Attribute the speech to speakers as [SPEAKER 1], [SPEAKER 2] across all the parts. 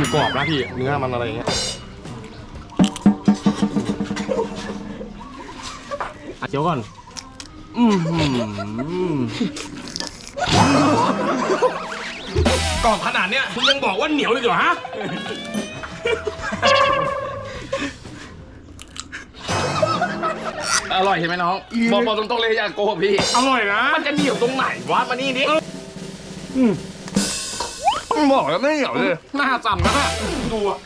[SPEAKER 1] กรอบนะพี่เนื้อมันอะไรเงี้ยเดี๋ยวก่อนกรอบขนาดเนี้ยคุณยังบอกว่าเหนียวเลยเหรอฮะ
[SPEAKER 2] อร่อยใช่ไหมน้องบอกตรงๆเลยอย่าโกหกพี่
[SPEAKER 1] อร่อยนะ
[SPEAKER 2] มันจะเหนียวตรงไหนวะมานี่ดิบอกแล้วไม่เหนียวเลย
[SPEAKER 1] หน้าสั่นนะดูอะ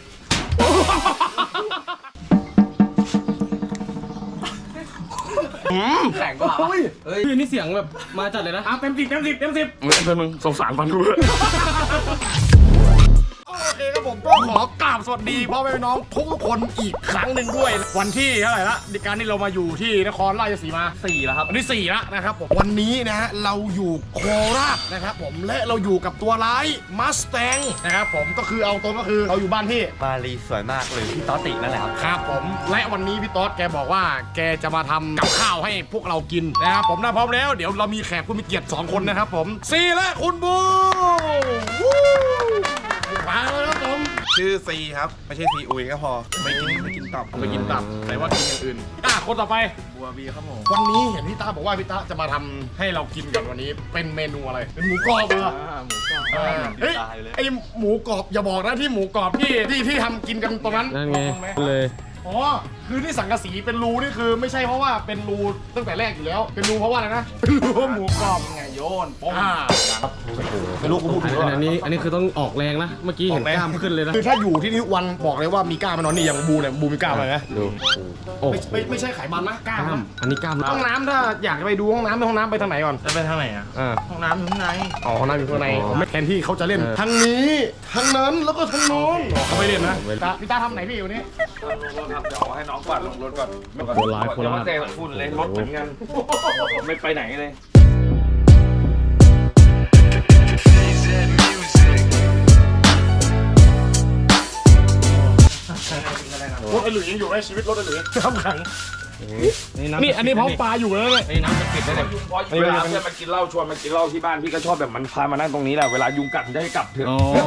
[SPEAKER 2] แข็งกว่าเฮ้ย
[SPEAKER 3] นี่เสียงแบบมาจัดเลยนะ
[SPEAKER 1] เต็ม10เต็ม10เต็ม10
[SPEAKER 2] มึงสงสารฟันดู
[SPEAKER 1] โอเคครับผมก็ขอกราบสวัสดีพ่อแม่พี่น้องทุกคนอีกครั้งหนึ่งด้วยวันที่เท่าไหร่ละในการที่เรามาอยู่ที่นครราชสีมา
[SPEAKER 2] 4แล้วครับ
[SPEAKER 1] วันที่4แล้วนะครับผมวันนี้นะฮะเราอยู่โคราชนะครับผมและเราอยู่กับตัวร้ายมัสแตงนะครับผมก็คือเอาตรงก็คือเราอยู่บ้านที่
[SPEAKER 4] มารีสวยมากเลยพี่ต๊อตตินั่นแหละครับ
[SPEAKER 1] ครับผมและวันนี้พี่ต๊อดแกบอกว่าแกจะมาทำกับข้าวให้พวกเรากินนะครับผมพร้อมแล้วเดี๋ยวเรามีแขกผู้มีเกียรติ2คนนะครับผมซีและคุณบูมาแล้วครับผม
[SPEAKER 4] ชื่อซีครับไม่ใช่ซีอุยก็พอไม่กินตับ
[SPEAKER 1] แต่ว่ากินอย่างอื่นคนต่อไป
[SPEAKER 4] บัวบีครับผม
[SPEAKER 1] วันนี้เห็นพี่ตาบอกว่าพี่ตาจะมาทำให้เรากินกันวันนี้เป็นเมนูอะไรเป็นหมูกรอบเหรอ
[SPEAKER 4] หมูกรอบ
[SPEAKER 1] เฮ้ยไอหมูกรอบอย่าบอกนะที่หมูกรอบที่ทำกินกันตรงนั้น
[SPEAKER 3] นั่นไงเลย
[SPEAKER 1] อ๋อคือที่สังกะสีเป็นรูนี่คือไม่ใช่เพราะว่าเป็นรูตั้งแต่แรกอยู่แล้วเป็นรูเพราะว่าอะไรนะเป็นรูหมูกรอบไงโยนป้องไม่รู้กูพูดถึง
[SPEAKER 3] อันนี้คือต้องออกแรงนะเมื่อกี้เห็นกล้ามขึ้นเลยนะ
[SPEAKER 1] คือถ้าอยู่ที่ทุกวันบอกเลยว่ามีกล้ามมันนอนนี่อย่างบูเนี่ยบูมีกล้ามอะไรนะ
[SPEAKER 3] ดู
[SPEAKER 1] ไม่ใช่ไขมันนะกล้าม
[SPEAKER 3] อันนี้กล้าม
[SPEAKER 1] ห้องน้ำถ้าอยากไปดูห้องน้ำไปทางไหนก่อน
[SPEAKER 4] จะไปทางไหนอ่ะห้องน้ำอยู่ข้างใน
[SPEAKER 1] อ๋อห้องน้ำอยู่ข้างในแทนที่เขาจะเล่นทั้งนี้ทั้งนั้นแล้วก็ทั้งโน้นเขาไม่เล่นนะพี่ตาทำไหนพี่วันนี้
[SPEAKER 4] ครับเดี๋ยวให้น้องก่อนลงรถก่อน
[SPEAKER 3] โคราช
[SPEAKER 4] เตะฝุ่นเลยรถเหมือนกันไม่ไปไหนเลย
[SPEAKER 1] รถไอหลุยยังอยู่ในชีวิตรถไอหลุยทำขังนี่อันนี้พร้อมปลาอยู่แล้วเลย
[SPEAKER 2] น้ำจะกินได้เลยเวลาเพื่อนมากินเหล้าชวนมากินเหล้าที่บ้านพี่ก็ชอบแบบมันพามานั่งตรงนี้แหละเวลายุงกัดได้กลับเถอะ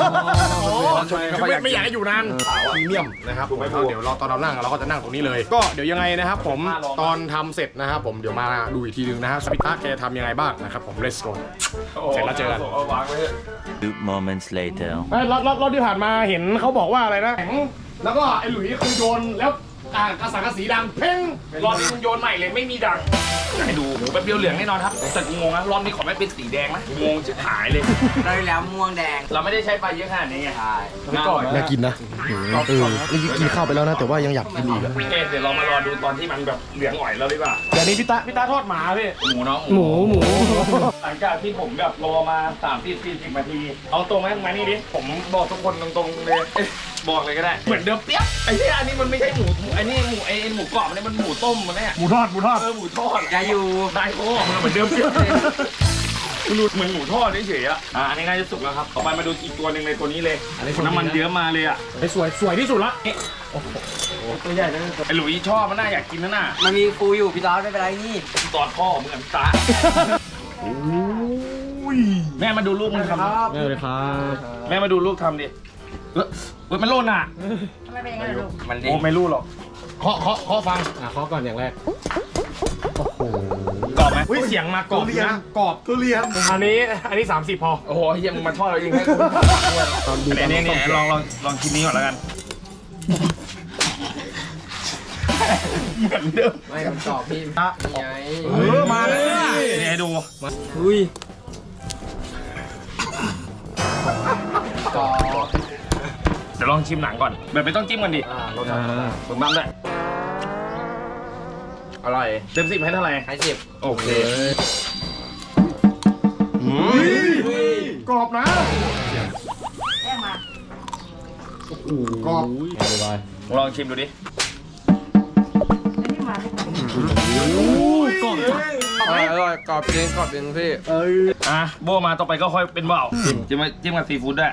[SPEAKER 1] ไม่อยากให้อยู่นานพรีเมียมนะครับผมเดี๋ยวเราตอนเรานั่งเราก็จะนั่งตรงนี้เลยก็เดี๋ยวยังไงนะครับผมตอนทำเสร็จนะครับผมเดี๋ยวมาดูอีกทีนึงนะฮะสปิต้าแกทำยังไงบ้างนะครับผม let's go เสร็จแล้วเจอกัน
[SPEAKER 5] 2 moments later
[SPEAKER 1] รอบที่ผ่านมาเห็นเขาบอกว่าอะไรนะแล้วก็ไอ้หลุยคือโยนแล้วกระสังกระสีดังเพ่งรอบนี้มึงโยนใหม่เลยไม่มีดัง
[SPEAKER 2] ให้ดูหมูแบบเปรี้ยวเหลืองแน่นอนครับแต่กูงงนะรอบนี้ขอไม่เป็นสีแดงนะงงจะหายเลย
[SPEAKER 4] ได้แล้วม่วงแดง
[SPEAKER 2] เราไม่ได้ใช้ไฟเยอะขนาดนี้ไง
[SPEAKER 1] น่ากินนะนี่กินข้าวไปแล้วนะแต่ว่ายังอยากกินอีกอะ
[SPEAKER 2] เดี๋ยวเรามารอดูตอนที่มันแบบเหลืองอ่อยแล้วดีกว่า
[SPEAKER 1] เดี๋ยวนี้พี่ตาทอดหมาพี่
[SPEAKER 2] หมูเนาะ
[SPEAKER 3] หมู
[SPEAKER 2] หลังจากที่ผมแบบรอมา30-40 นาทีเอาตรงไหมมานี่ดิผมบอกทุกคนตรงๆเลยบอกเลยก็ได้เหมือนเดิมเปี้ยไอ้ที่อันนี้มันไม่ใช่หมูไอ้นี่หมูหมูกรอบมันหมูต้มมันเนี่ย
[SPEAKER 1] หมูทอด
[SPEAKER 2] หมูทอดได้อยู่ได้โอ้มันเหมือนเดิมเปี้ยมันดูเหมือนหมูทอดเฉยๆอันนี้น่าจะสุกแล้วครับต่อไปมาดูอีกตัวหนึ่งเลยตัวนี้เลยน้ำมันเยอะมาเลยอ่ะ
[SPEAKER 1] สวยที่สุดละ
[SPEAKER 2] ตัวใหญ่เลยไอ้หลุยชอบมันน่าอยากกินน่ะ
[SPEAKER 4] มันมีฟูอยู่พี่ต๊อดไม่เป็นไรนี่
[SPEAKER 2] ตอดพ่อมึงกับตาแม่มาดูลูกมึงทำ
[SPEAKER 3] แม่เลยครับ
[SPEAKER 2] แม่มาดูลูกทำดิมันโล่นอ่ะ
[SPEAKER 4] ไม่เป็นยังไงลูก
[SPEAKER 2] มันดีไม่รู้หรอก
[SPEAKER 1] เคาะฟัง
[SPEAKER 3] เคาะก่อนอย่างแรก
[SPEAKER 1] โอ้โห
[SPEAKER 2] กรอบไหม
[SPEAKER 1] เสียงมากรอบนะกรอบ
[SPEAKER 4] ทุเรียน
[SPEAKER 1] อันนี้30พอ
[SPEAKER 2] โอ้โหยังมาทอดเราเองให้นี่ลองชิ้นนี้ก่อนแล้วกันเหมือนเดิม
[SPEAKER 4] ไม่มันกรอบพี่
[SPEAKER 1] มาเลย
[SPEAKER 2] นี่ให้ดู
[SPEAKER 4] อุ้ยกรอบ
[SPEAKER 2] เดี๋ยวลองชิมหนังก่อนแบบไม่ต้องจิ้มกันดิรสชาติถูกต้องด้วยอร่อยเต็ม10ให้เท่าไหร่
[SPEAKER 4] ให้10
[SPEAKER 2] โอเค
[SPEAKER 1] กรอบนะกรอบ
[SPEAKER 2] ลองชิมดูดิ
[SPEAKER 4] กรอบอร่อยกรอบจริงพี่
[SPEAKER 2] โบมาต่อไปก็ค่อยเป็นเบาจิ้มกับซีฟู้ดด้วย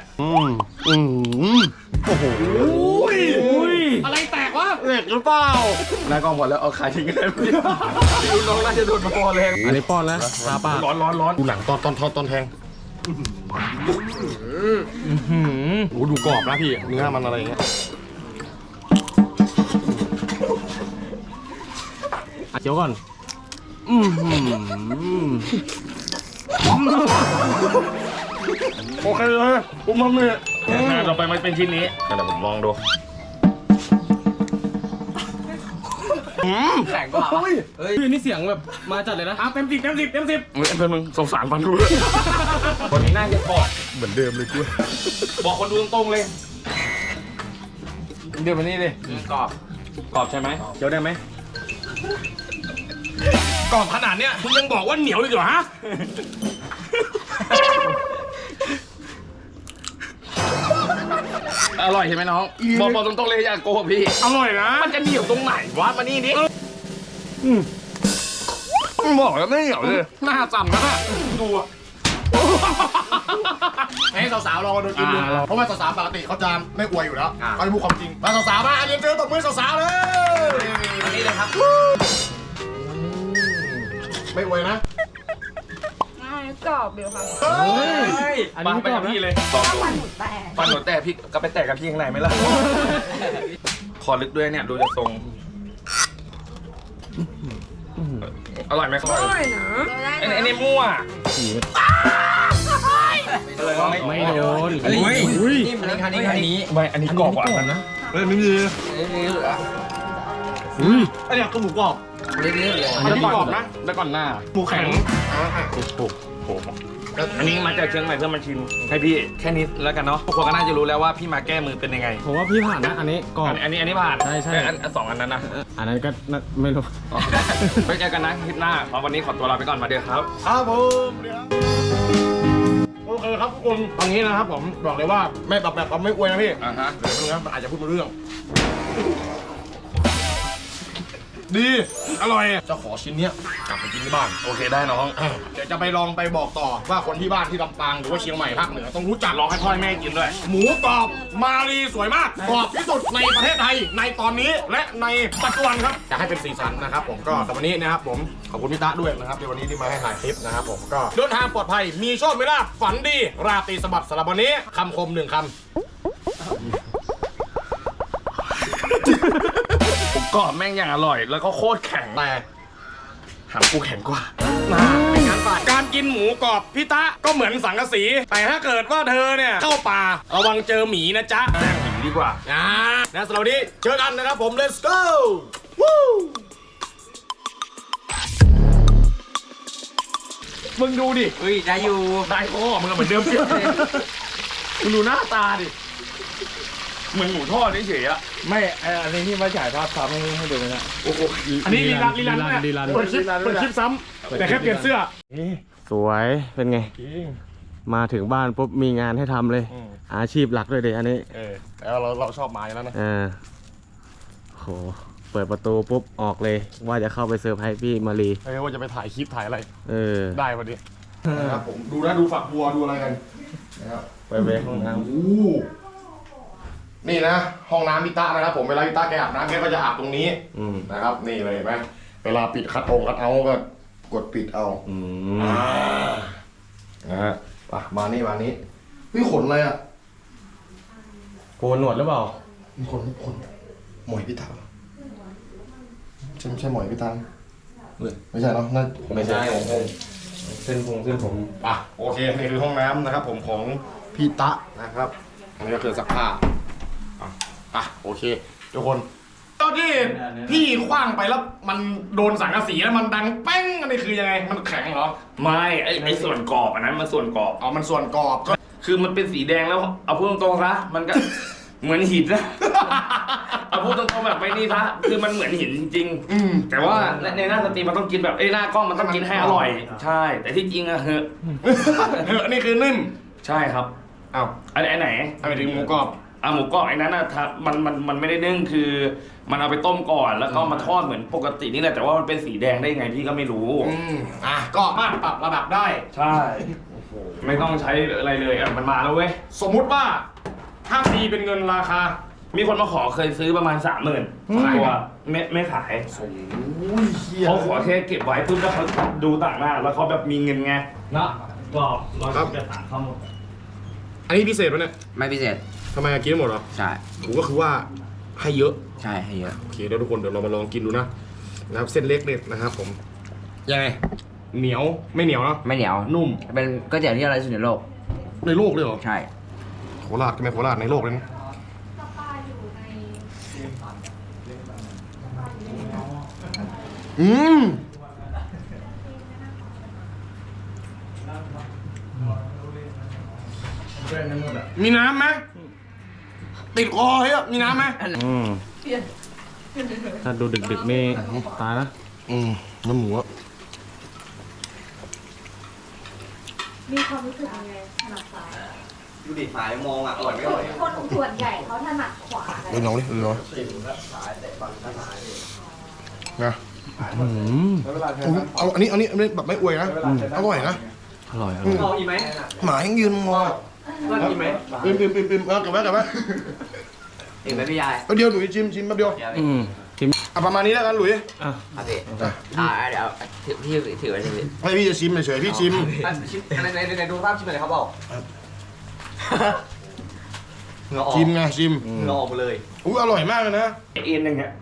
[SPEAKER 1] โอ้โหอะไรแตกวะเหล็กหรือเปล่านายกองหมดแล้วเอาขายทิ้งกันพี่
[SPEAKER 2] น้องน่าจะโดนมาพอแรง
[SPEAKER 3] อันนี้ป้อนแล้วตาป้า
[SPEAKER 2] ร้อน
[SPEAKER 1] ดูหลังตอนแทงโอ้ดูกรอบนะพี่เนื้อมันอะไรอย่างเงี้ย
[SPEAKER 3] เคี้ยวก่อน
[SPEAKER 1] โอเคเลยผมทำเลย
[SPEAKER 2] ต่อไปมันเป็นชิ้นนี้เดี๋ยวผมลองดู
[SPEAKER 6] แข็งกว่าปะ
[SPEAKER 3] พี่นี่เสียงแบบมาจัดเลยนะ
[SPEAKER 1] เต็มสิบ
[SPEAKER 2] เฮ้ยเพื่อนมึงสงสารฟันดูคนนี้น่าจะกรอบ
[SPEAKER 1] เหมือนเดิมเลยกู
[SPEAKER 2] บอกคนดูตรงๆเลยเดี๋ยวมานี่เลย
[SPEAKER 6] กรอบ
[SPEAKER 2] กรอบใช่ไหมเคี้ยวได้ไหม
[SPEAKER 1] กรอบขนาดเนี้ยคุณยังบอกว่าเหนียวอีกเหรอฮะ
[SPEAKER 2] อร่อยใช่ไหมน้องบอกตรงๆเลยอย่าโกหกพี่
[SPEAKER 1] อร่อยนะ
[SPEAKER 2] มันจะเหนียวตรงไหนวะมานี่ดิบอกแล้วไม่เหนียวเลย
[SPEAKER 1] หน้าสั่นนะน่ะดูอะให้สาวๆลองมาดูกินดูเพราะว่าสาวๆปกติเขาจะไม่อวยอยู่แล้วเขาจะพูดความจริงมาสาวๆมาเรียนเจอตบมือสาวๆเลย
[SPEAKER 6] อันนี้เลยครับ
[SPEAKER 1] ไม่อวยนะ
[SPEAKER 7] กรอบเดียวค่ะ
[SPEAKER 3] อันนี้ไม่กรอบ
[SPEAKER 2] พี่
[SPEAKER 3] นะ
[SPEAKER 2] เลย
[SPEAKER 7] ถ้าฟันหมูแตก
[SPEAKER 2] ฟันหนูแตกพี่ก็ไปแตกกับพี่ข้างในไหมล่ะคอลึกด้วยเนี่ยดูจากทรงอร่อยไหมครับ
[SPEAKER 7] อร่อยนะ
[SPEAKER 2] ไอ้นี่มั่ว
[SPEAKER 3] ไม่โดน
[SPEAKER 6] นี่มันคันนี้
[SPEAKER 2] ไม่อันนี้กรอบกว่ากันนะ
[SPEAKER 1] เฮ้ยไม่มี
[SPEAKER 6] นี่เหลือ
[SPEAKER 1] อันนี้ก็หมูกรอบ
[SPEAKER 6] นี่เหลือ
[SPEAKER 1] อันนี้กรอบนะ
[SPEAKER 2] แล้วก่อนหน้า
[SPEAKER 1] หมูแข็ง
[SPEAKER 2] อันนี้มาจากเชียงใหม่เพื่อมาชิมให้พี่แค่นี้แล้วกันเนาะทุกคนก็น่าจะรู้แล้วว่าพี่มาแก้มือเป็นยังไง
[SPEAKER 3] ผมว่าพี่ผ่านนะ อันนี้กรอบ
[SPEAKER 2] อันนี้ผ่าน
[SPEAKER 3] ใช่ใช่
[SPEAKER 2] แต่อันสองอันนั้นนะ
[SPEAKER 3] อันนั้นก็น่าไม่รู้
[SPEAKER 2] ไปเจอกันนะคลิปหน้าวันนี้ขอตัวลาไปก่อนมาเดี๋ยวครับ
[SPEAKER 1] ครับผมโอเคครับทุกคนตอนนี้นะครับผมบอกเลยว่าไม่แบบไม่อวยนะพี่
[SPEAKER 2] อ่าฮะ
[SPEAKER 1] เดี๋ยวมันอาจจะพูดไม่รู้เรื่อง ดีอร่อยจะขอชิ้นเนี้ยกลับไปกินที่บ้าน
[SPEAKER 2] โอเคได้น้อง
[SPEAKER 1] เดี๋ยวจะไปลองไปบอกต่อว่าคนที่บ้านที่ลำปางหรือว่าเชียงใหม่ภาคเหนือต้องรู้จัก
[SPEAKER 2] ลองให้พ่อให้แม่กินด้วย
[SPEAKER 1] หมูกรอบมาลีสวยมากกรอบที่สุดในประเทศไทยในตอนนี้และในปัจจุบันครับอยากให้เป็นสีสันนะครับผมก็แต่วันนี้นะครับผมขอบคุณพี่ตะด้วยนะครับในวันนี้ที่มาให้ถ่ายคลิปนะครับผมก็เดินทางปลอดภัยมีโชคมีลาภฝันดีราตรีสวัสดิ์สำหรับวันนี้คำคมหนึ่งคำ
[SPEAKER 2] ผมกรอบแม่งอย่างอร่อย แล้วก็โคตรแข็ง
[SPEAKER 1] แต่
[SPEAKER 2] หางกูแข็งกว่า
[SPEAKER 1] เป็นงานป่าการกินหมูกรอบพี่ตะก็เหมือนสังกะสี แต่ถ้าเกิดว่าเธอเนี่ยเข้าป่าระวังเจอหมีนะจ๊ะ
[SPEAKER 2] แม่งหนีดีกว่า
[SPEAKER 1] นะสำหรับวันนี้เจอกันนะครับผม let's go วู้
[SPEAKER 2] มึงดูดิ
[SPEAKER 6] อุ้ยได้อยู่
[SPEAKER 2] ได้พ่อมึงก็เหมือนเดิมเพี้ยเลยมึงดูหน้าตาดิเหมือนหมูทอดเฉยๆอะ
[SPEAKER 3] ไม่อันนี้ที่มาฉายภาพซ้ำให้ดูนะ
[SPEAKER 2] โอ้โห
[SPEAKER 1] อันนี้ลีลันเนี่ย
[SPEAKER 3] ลีลัน
[SPEAKER 1] เปิดคลิปซ้ำแต่แค่เปลี่ยนเสื้อ
[SPEAKER 3] สวยเป็นไง มาถึงบ้านปุ๊บมีงานให้ทำเลย อาชีพหลักเลยเด็อันนี้
[SPEAKER 1] แต่เราชอบมาอยู่แล้วนะ
[SPEAKER 3] โหเปิดประตูปุ๊บออกเลย ว่าจะเข้าไปเซอร์ไพรส์พี่มารี
[SPEAKER 1] ว่าจะไปถ่ายคลิปถ่ายอะไร ได้พอดีนะครับผมดูนะดูฝักบัวดูอะไรกันนะครับ
[SPEAKER 3] ไปห้องน้
[SPEAKER 1] นี่นะห้องน้ำพิตานะครับผมเวลาพิตาแกอาบน้ำแกก็จะอาบตรงนี้
[SPEAKER 3] ำ
[SPEAKER 1] นะครับนี่เลยเห็นไหมเวลาปิดคัดเอาก็กดปิดเอานะฮะมานี่เฮ้ยขนอะไรอ่ะ
[SPEAKER 3] โกนหนวดหรือเปล่า
[SPEAKER 1] มีขนหมอยพิตาใช่หมอยพิตาไม่ใช่เนาะนั่น
[SPEAKER 3] ไม่ใช่เส้นผม
[SPEAKER 1] โอเคนี่คือห้องน้ำนะครับผมของพี่ตะนะครับอันนี้ก็คือซักผ้าโอเคทุกคนตอนที่พี่คว้างไปแล้วมันโดนสังกะสีแล้วมันดังแป้งอันนี้คือยังไงมันแข็งเหรอ
[SPEAKER 2] ไม่ไอส่วนกรอบอันนั้นมันส่วนกรอบ
[SPEAKER 1] มันส่วนกรอบก็
[SPEAKER 2] คือมันเป็นสีแดงแล้วเอาพูดตรงๆซะมันก็ เหมือนหินนะ เอาพูดตรงๆแบบไม่นี่ซะคือมันเหมือนหินจริงๆแต่ว่าในหน้าสตรีมมันต้องกินแบบหน้ากล้องมันต้องกินให้อร่อย ใช่ แต่ที่จริงอะเฮ้ย
[SPEAKER 1] อันนี้คือนิ่ม
[SPEAKER 2] ใช่ครับ
[SPEAKER 1] อ้าว
[SPEAKER 2] อันไหน
[SPEAKER 1] อันนี้ถึงหมูกรอบ
[SPEAKER 2] หมูกรอบไอ้นั้นนะมันไม่ได้นึ่งคือ มันเอาไปต้มก่อนแล้วก็มาทอดเหมือนปกตินี่แหละแต่ว่ามันเป็นสีแดงได้ยังไงพี่ก็ไม่รู้
[SPEAKER 1] ก็สามารถปรับระดับได้
[SPEAKER 2] ใช่ไม่ต้องใช้อะไรเลยมันมาแล้วเว้ย
[SPEAKER 1] สมมุติว่าถ้าตีเป็นเงินราคา
[SPEAKER 2] มีคนมาขอเคยซื้อประมาณ 30,000ตัวไม่ขายเขาขอแค่เก็บไว้ปุ๊บแล้วเขาดูต่างหน้าแล้วเขาแบบมีเงินไงนะกรอบ118ข้าวหมด
[SPEAKER 1] อันนี้พิเศษปะเนี่ย
[SPEAKER 6] ไม่พิเศษ
[SPEAKER 1] ทำไมกินได้หมดเหรอ
[SPEAKER 6] ใช่
[SPEAKER 1] ผมก็คือว่าให้เยอะ
[SPEAKER 6] ใช่ให้เยอะ
[SPEAKER 1] โอเคเดี๋ยวทุกคนเดี๋ยวเรามาลองกินดูนะครับเส้นเล็กเนี่ยนะครับผมยังไงเหนียวไม่เหนียวเนาะ
[SPEAKER 6] ไม่เหนียว
[SPEAKER 1] นุ่ม
[SPEAKER 6] เป็นก๋วยเตี๋ยวที่อร่อยที่สุดในโลก
[SPEAKER 1] ในโลกเลยเหรอ
[SPEAKER 6] ใช่
[SPEAKER 1] โคราชใช่ไหมโคราชในโลกเลยนะอืมมีน้ำไหมติดคอเฮ้ยมีน้ำไหม
[SPEAKER 3] ถ้าดูดึกๆนี่ตายนะ
[SPEAKER 1] น้ำหมูอะ
[SPEAKER 7] มีความรู้สึกยังไงถนัดซ้าย
[SPEAKER 4] ดูดิหายมองอ่ะอร่อยไม่อร่อย
[SPEAKER 7] คนส่วนใหญ่เขาถนัดขวากัน
[SPEAKER 1] เดี๋ยวลองดิเดี๋ยวลองนะเอาอันนี้แบบไม่อวยนะอร่อยนะ
[SPEAKER 3] อร่อย
[SPEAKER 2] เอาอีกไหม
[SPEAKER 1] หมายังยืนงอ
[SPEAKER 2] เอาอีกไหม
[SPEAKER 1] ปิมกลับไว้
[SPEAKER 6] เห็นไหมพี่ยาย
[SPEAKER 1] เดียวหลุยชิมแป๊บเดียว
[SPEAKER 3] ชิม
[SPEAKER 1] ประมาณนี้แล้วกันหลุย
[SPEAKER 3] อ่ะ
[SPEAKER 6] ครับพี่เดี๋ยวพี่ถือไว้พี่
[SPEAKER 1] ไม่พี่จะชิมเฉยๆพี่ชิม
[SPEAKER 4] ในดูภาพชิมอะไรเขาบอก
[SPEAKER 1] ชิมไงชิม
[SPEAKER 4] งอออกมาเลย
[SPEAKER 1] อุ้ยอร่อยมากเลยนะ
[SPEAKER 2] เอ็นอย่างเงี้ย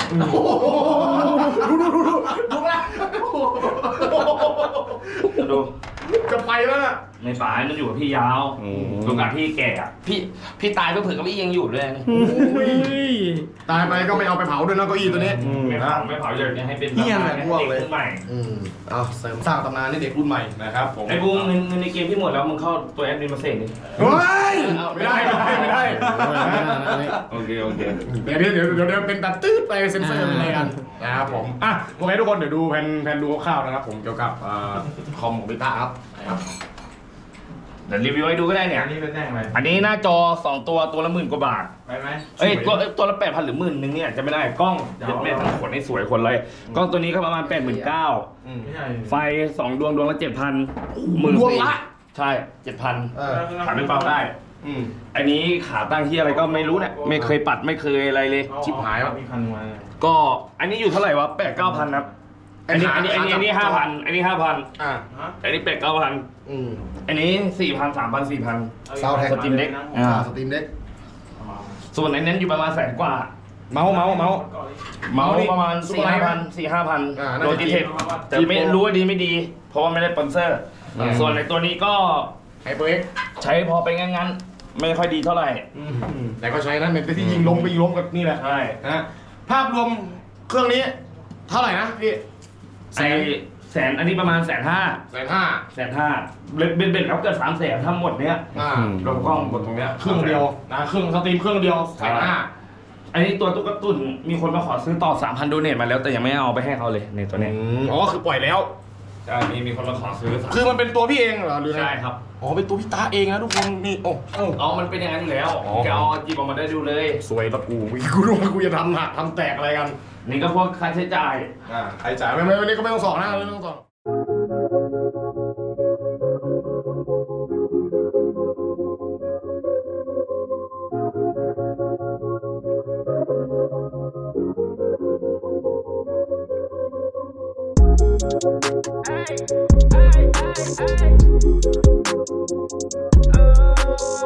[SPEAKER 2] ดู
[SPEAKER 1] จะไปแล้วน่ะ
[SPEAKER 2] ในป่ามันอยู่กับพี่ยาวดูกับพี่แก่อะพี่ตายเพื่อเผื่อกับพี่ยังอยู่เลย
[SPEAKER 1] ตายไปก็ไม่เอาไปเผาด้วยนะเก้าอี้ตัวนี้
[SPEAKER 2] ไม่เผาอยากให้เป็น
[SPEAKER 1] เหี้ยแหละพวกเลย
[SPEAKER 2] ด็รุ่นใหม่
[SPEAKER 1] เอาเสริมสร้างตำนานให้เด็กรุ่นใหม่นะครับผม
[SPEAKER 2] ไอ้บูมเงินในเกมที่หมดแล้วมึงเข้าตัวแอดมินมาเสกดิ
[SPEAKER 1] เฮ้ยไม่ได้
[SPEAKER 2] โอเค
[SPEAKER 1] เดี๋ยวเป็นตัดตืดไปเซ็นเซอร์อะไรกันนะครับผมอ่ะโอเคทุกคนเดี๋ยวดูแผนดูคร่าวๆนะครับผมเกี่ยวกับคอมของพิต้าครับ
[SPEAKER 2] เดี๋ยวรีวิวให้ดูก็ได้เนี่ย
[SPEAKER 4] อันนี้เป็นแจ้งอะไร
[SPEAKER 2] อันนี้หน้าจอ2ตัวละ10,000 กว่าบาท
[SPEAKER 4] ไปไหม
[SPEAKER 2] เอ้ยตัวละ8,000 หรือ10,000นึงเนี่ยจะไม่ได้กล้องจะไม่ทั้งขนให้สวยคนเลยกล้องตัวนี้ก็ประมาณ 89,000
[SPEAKER 4] ไม่ใช่
[SPEAKER 2] ไฟ2ดวงละ 7,000
[SPEAKER 1] ดวงละ
[SPEAKER 2] ใช่ 7,000 ขาไม่เปล่าได้ อันนี้ขาตั้งที่อะไรก็ไม่รู้เนี่ยไม่เคยปัดไม่เคยอะไรเลย
[SPEAKER 1] ชิบหายวะ
[SPEAKER 4] มีคันมา
[SPEAKER 2] ก็อันนี้อยู่เท่าไหร่วะ8-9,000ครับอันนี้5,000อันนี้5,000อันนี้ 5,000
[SPEAKER 1] อ่ะ
[SPEAKER 2] อันนี้8-9,000อันนี้4,000 3,000 4,000
[SPEAKER 1] ซาวแท็ก
[SPEAKER 2] สตรีมเด็ก
[SPEAKER 1] สตรีมเด็ก
[SPEAKER 2] ส่วนอันนั้นอยู่ประมาณ100,000 กว่า
[SPEAKER 1] เมาส์
[SPEAKER 2] เมาส์ประมาณ
[SPEAKER 1] ซุปเปอร์ไลท์
[SPEAKER 2] 4-5,000
[SPEAKER 1] น่าจะ
[SPEAKER 2] โดยดีเทคแต่ไม่รู้ว่าดีไม่ดี เพราะว่าไม่ได้สปอนเซอร์ ส่วนในตัวนี้ก็
[SPEAKER 1] ไฮเปอร์เอ็ก
[SPEAKER 2] ใช้พอไปงั้นๆไม่ค่อยดีเท่าไหร่
[SPEAKER 1] แต่ก็ใช้นะเป็นที่ยิงลงกับนี่แหละ
[SPEAKER 2] ใช่
[SPEAKER 1] นะภาพรวมเครื่องนี้เท่าไหร่นะพี่
[SPEAKER 2] แสนอันนี้ประมาณ150,000 150,000เบ็ดแล้วเกิด300,000ทั้งหมดเนี้ย รวมกล้องหมดตรงเนี้ย
[SPEAKER 1] เครื่องเดียวนะเครื่องสตรีมเครื่องเดียว150,000
[SPEAKER 2] อันนี้ตัวตุ๊กตุ่นมีคนมาขอซื้อต่อ 3,000 โดเนทมาแล้วแต่ยังไม่เอาไปให้เขาเลยในตัวเนี้ย
[SPEAKER 1] อ๋อคือปล่อยแล้ว
[SPEAKER 2] ใช่มีคนมาขอซื้อ
[SPEAKER 1] คือมันเป็นตัวพี่เองเหรอหรือไง
[SPEAKER 2] ใช่ครับ
[SPEAKER 1] อ๋อเป็นตัวพี่ตาเองนะทุกคนนี่โอ้
[SPEAKER 2] อ๋อมันเป็นอย่างนั้นอยู่แล้ว
[SPEAKER 1] อ๋อ
[SPEAKER 2] แกเอาจีบออกมาได้ดูเลย
[SPEAKER 1] สวยแล้วกูรู้ว่ากูจะทำแตกอะไรกัน
[SPEAKER 2] นี่ก็พวกค่าใช้จ่าย
[SPEAKER 1] ใครจ่ายไม่วันนี้ก็ไม่ต้องสอนนะไม่ต้องสอน